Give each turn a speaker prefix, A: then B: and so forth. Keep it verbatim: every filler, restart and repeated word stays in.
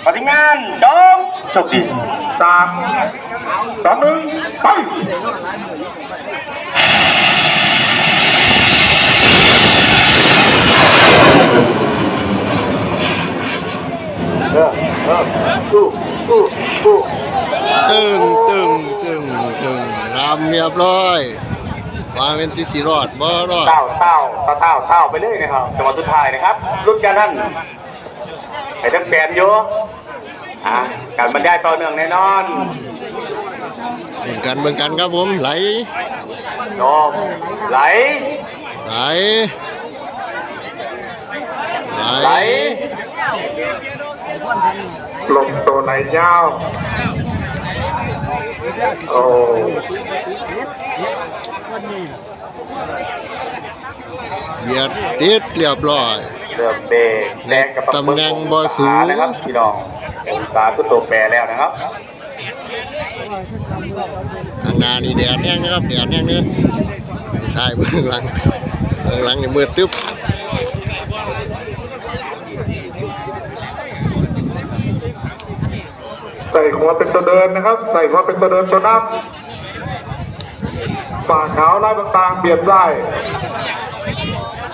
A: ปฏิงานจงโชคดีสามสองหนึ่งไปเออเออตู้ตู้ตู้
B: ตึงตึงตึงตึงรำเรียบร้อยมาเป็นที่สีรอดบ่รอด
A: เต้าเต้าเต้าเต้าเต้าไปเลยนะครับจังหวะสุดท้ายนะครับรุ่นการท่านไอ้ทั้งแฟนอยู่อ่าการบรรยายต่อเนื่องแน่นอน
B: เบิ่งกันเบิ่งกันครับผมไหล
A: โยมไหล
B: ไหล
A: ไหลลมตัวไหลยาวโอ้
B: เหยียดติดเรียบร้อย
A: เริ่มเบรกแรงกับ
B: ตำแหน่งบ่สูง
A: นะครับพี่น้ององศาคือตัวแปรแล้วนะครับ
B: ข้างหน้านี่แดดแห้งนะครับแดดแห้งเนี่ยท้ายเบื้องหลังเบื้องหลังนี่มืดตึ๊บ
A: ใส่หัวเป็นตัวเดินนะครับใส่หัวเป็นตัวเดินตัวนับฝ่าขาวไล่บางๆเบียดไส้